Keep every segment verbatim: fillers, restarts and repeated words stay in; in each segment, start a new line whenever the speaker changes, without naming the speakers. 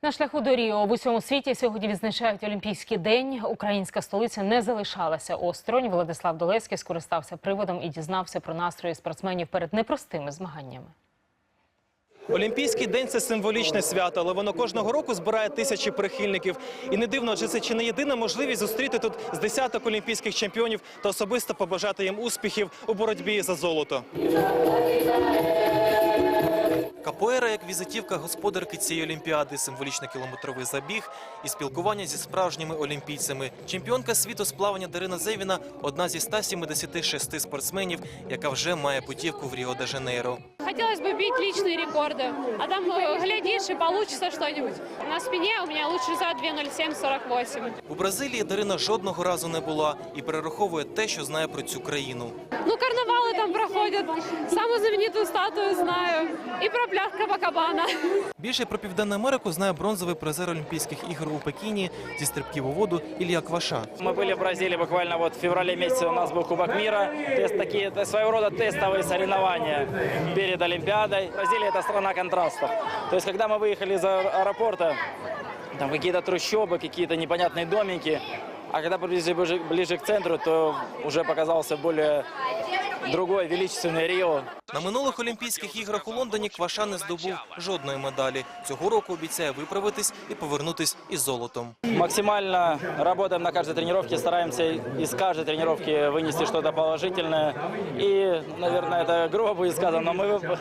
На шляху до Ріо в усьому світі сьогодні відзначають Олімпійський день. Українська столиця не залишалася осторонь. Владислав Долецький скористався приводом і дізнався про настрої спортсменів перед непростими змаганнями.
Олімпійський день – це символічне свято, але воно кожного року збирає тисячі прихильників. І не дивно, адже це чи не єдина можливість зустріти тут з десяток олімпійських чемпіонів та особисто побажати їм успіхів у боротьбі за золото. Капоейра як візитівка господарки цієї олімпіади, символічний кілометровий забіг і спілкування зі справжніми олімпійцями. Чемпіонка світу з плавання Дарина Зевіна – одна зі ста сімдесяти шести спортсменів, яка вже має путівку в Ріо-де-Жанейро.
Хотелось бы бить личные рекорды, а там, глядишь, и получится что-нибудь. На спине у меня лучший зад дві нуль сім сорок вісім.
У Бразилії Дарина жодного разу не була і перераховує те, що знає про цю країну.
Ну, карнавалы там проходят, самую знаменитую статую знаю, и про пляж Копакабана.
Більше про Південну Америку знає бронзовий призер Олімпійських ігор у Пекіні зі стрибків у воду Ілля Кваша.
Мы были в Бразилии буквально вот в феврале месяце, у нас был Кубок мира. Тест, такие, это своего рода тестовые соревнования перед Олимпиадой. Бразилия – это страна контрастов. То есть, когда мы выехали из аэропорта, там какие-то трущобы, какие-то непонятные домики. А когда приблизились ближе, ближе к центру, то уже показался более другой величественный Ріо.
На минулих Олімпійських іграх у Лондоні Кваша не здобув жодної медалі. Цього року обіцяє виправитись і повернутись із золотом.
Максимально работаем на каждой тренировке, стараемся из каждой тренировки вынести что-то положительное. И, наверное, это грубо будет сказано, но мы,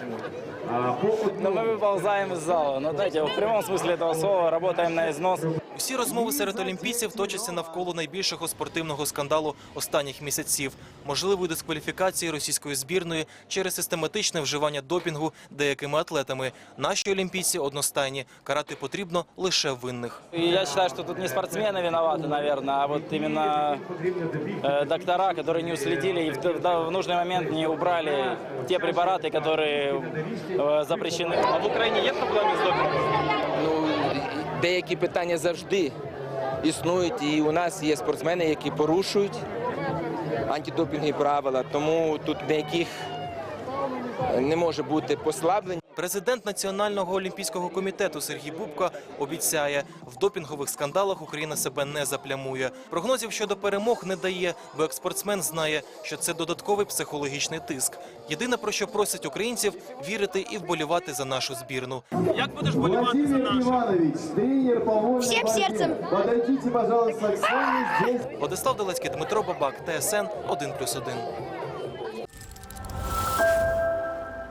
но мы выползаем из зала. Но, знаете, в прямом смысле этого слова работаем на износ.
Всі розмови серед олімпійців точаться навколо найбільшого спортивного скандалу останніх місяців – можливої дискваліфікації російської збірної через систематичне вживання допінгу деякими атлетами. Наші олімпійці одностайні – карати потрібно лише винних.
Я считаю, что тут не спортсмены виноваты, наверное, а вот именно э, доктора, которые не уследили и в, в, в нужный момент не убрали те препараты, которые э, запрещены.
А в Україні є проблеми з допінгом?
Ну, деякі питання завжди існують, і у нас є спортсмени, які порушують антидопінгові правила, тому тут ніяких не може бути послаблень.
Президент Національного олімпійського комітету Сергій Бубка обіцяє, в допінгових скандалах Україна себе не заплямує. Прогнозів щодо перемог не дає, бо як спортсмен знає, що це додатковий психологічний тиск. Єдине, про що просять українців – вірити і вболівати за нашу збірну. Як будеш вболівати за нашу?
Всім серцем.
Владислав Долецький, Дмитро Бабак, Т С Н один плюс один.